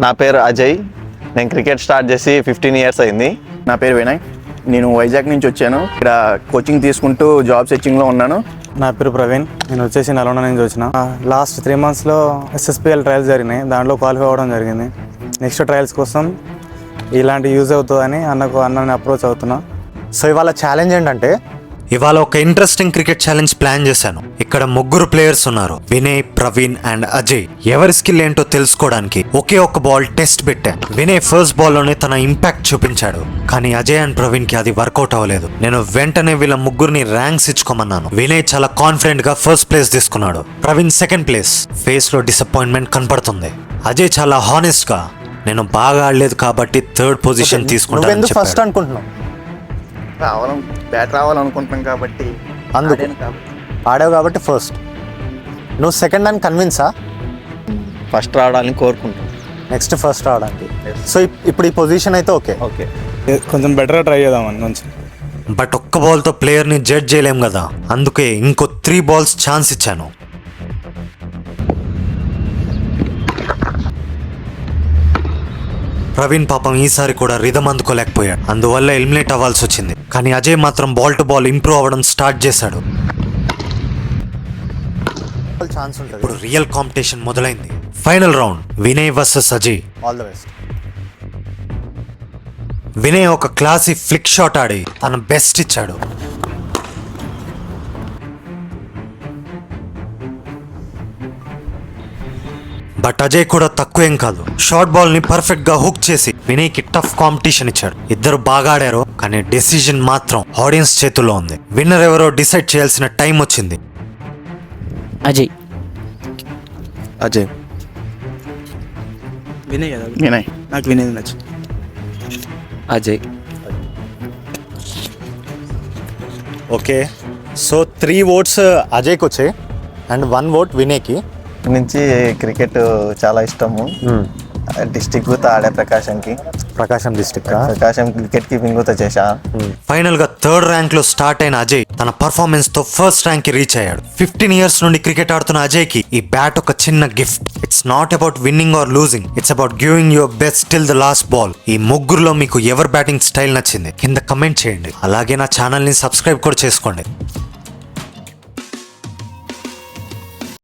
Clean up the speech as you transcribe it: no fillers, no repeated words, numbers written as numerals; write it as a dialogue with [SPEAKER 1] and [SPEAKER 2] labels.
[SPEAKER 1] నా పేరు అజయ్. నేను క్రికెట్ స్టార్ట్ చేసి 15 years అయింది.
[SPEAKER 2] నా పేరు వినయ్. నేను వైజాగ్ నుంచి వచ్చాను. ఇక్కడ కోచింగ్ తీసుకుంటూ జాబ్ సెర్చింగ్లో ఉన్నాను.
[SPEAKER 3] నా పేరు ప్రవీణ్. నేను వచ్చేసి నల్గొండ నుంచి వచ్చిన. లాస్ట్ 3 monthsలో SSPL ట్రయల్స్ జరిగినాయి. దాంట్లో క్వాలిఫై అవ్వడం జరిగింది. నెక్స్ట్ ట్రయల్స్ కోసం ఇలాంటి యూజ్ అవుతుందని అన్నని అప్రోచ్ అవుతున్నా.
[SPEAKER 4] సో ఇవాళ ఛాలెంజ్ ఏంటంటే, ఇవాళ ఒక ఇంట్రెస్టింగ్ క్రికెట్ ఛాలెంజ్ ప్లాన్ చేశాను. ఇక్కడ 3 ప్లేయర్స్ ఉన్నారు, వినయ్, ప్రవీణ్ అండ్ అజయ్. ఎవరి స్కిల్ ఏంటో తెలుసుకోవడానికి ఒకే ఒక్క బాల్ టెస్ట్ పెట్టా. వినయ్ ఫస్ట్ బాల్ లోనే తన ఇంపాక్ట్ చూపించాడు, కానీ అజయ్ అండ్ ప్రవీణ్ కి అది వర్కౌట్ అవ్వలేదు. నేను వెంటనే వీళ్ళ 3 ర్యాంక్స్ ఇచ్చుకోమన్నాను. వినయ్ చాలా కాన్ఫిడెంట్ గా ఫస్ట్ ప్లేస్ తీసుకున్నాడు. Praveen second place. ఫేస్ లో డిసప్పాయింట్మెంట్ కనపడుతుంది. అజయ్ చాలా హానెస్ట్ గా, నేను బాగా ఆడలేదు కాబట్టి 3rd పొజిషన్ తీసుకుంటాను.
[SPEAKER 3] ఫస్ట్ అనుకుంటున్నావు,
[SPEAKER 2] బ్యాట్ రావాలనుకుంటున్నాం కాబట్టి
[SPEAKER 4] అందుకు ఆడావు కాబట్టి ఫస్ట్. నువ్వు సెకండ్ అని కన్విన్సా?
[SPEAKER 1] ఫస్ట్ రావడానికి కోరుకుంటాను.
[SPEAKER 4] నెక్స్ట్ ఫస్ట్ రావడానికి. సో ఇప్పుడు ఈ పొజిషన్ అయితే ఓకే.
[SPEAKER 1] ఓకే,
[SPEAKER 3] కొంచెం బెటర్గా ట్రై చేద్దామని మంచి.
[SPEAKER 4] బట్ ఒక్క బాల్తో ప్లేయర్ని జడ్జ్ చేయలేం కదా, అందుకే ఇంకో 3 balls ఛాన్స్ ఇచ్చాను. ప్రవీణ్ పాపం ఈసారి కూడా రిధం అందుకోలేకపోయాడు, అందువల్ల ఎలిమినేట్ అవ్వాల్సి వచ్చింది. కానీ అజయ్ మాత్రం బాల్ టు బాల్ ఇంప్రూవ్ అవ్వడం స్టార్ట్ చేశాడు. ఇప్పుడు రియల్ కాంపిటీషన్ మొదలైంది. Final round, Vinay versus Ajay. All the best. Vinay ఒక క్లాసీ ఫ్లిక్ షాట్ ఆడి తన బెస్ట్ ఇచ్చాడు. బట్ అజయ్ కూడా తక్కువేం కాదు. షార్ట్ బాల్ ని పర్ఫెక్ట్ గా హుక్ చేసి వినయ్ కి టఫ్ కాంపిటీషన్ ఇచ్చాడు. ఇద్దరు బాగా ఆడారు, కానీ డెసిజన్ మాత్రం ఆడియన్స్ చేతుల్లో ఉంది. విన్నర్ ఎవరో డిసైడ్ చేయాల్సిన టైం వచ్చింది.
[SPEAKER 5] అజయ్.
[SPEAKER 2] అజయ్.
[SPEAKER 3] వినయ్ కదా?
[SPEAKER 2] వినయ్.
[SPEAKER 3] నాకు వినయ్ నచ్చు.
[SPEAKER 5] అజయ్.
[SPEAKER 4] ఓకే, సో 3 votes అజయ్కి వచ్చాయి అండ్ 1 vote వినయ్కి.
[SPEAKER 1] నుంచి క్రికెట్ చాలా ఇష్టము. డిస్టిక్ తో ఆడే
[SPEAKER 4] Prakasam district
[SPEAKER 1] Prakasam cricket keeping తో చేశా.
[SPEAKER 4] ఫైనల్ గా 3rd ర్యాంక్ లో స్టార్ట్ అయిన అజయ్ తన పర్ఫార్మెన్స్ తో ఫస్ట్ ర్యాంక్ కి రీచ్ అయ్యాడు. 15 years నుండి క్రికెట్ ఆడుతున్న అజయ్ కి ఈ బ్యాట్ ఒక చిన్న gift. It's not about winning or losing, it's about giving your best till the last ball. ఈ 3లో మీకు ఎవరి బ్యాటింగ్ స్టైల్ నచ్చింది కింద కమెంట్ చేయండి. అలాగే నా ఛానల్ ని సబ్స్క్రైబ్ కూడా చేసుకోండి.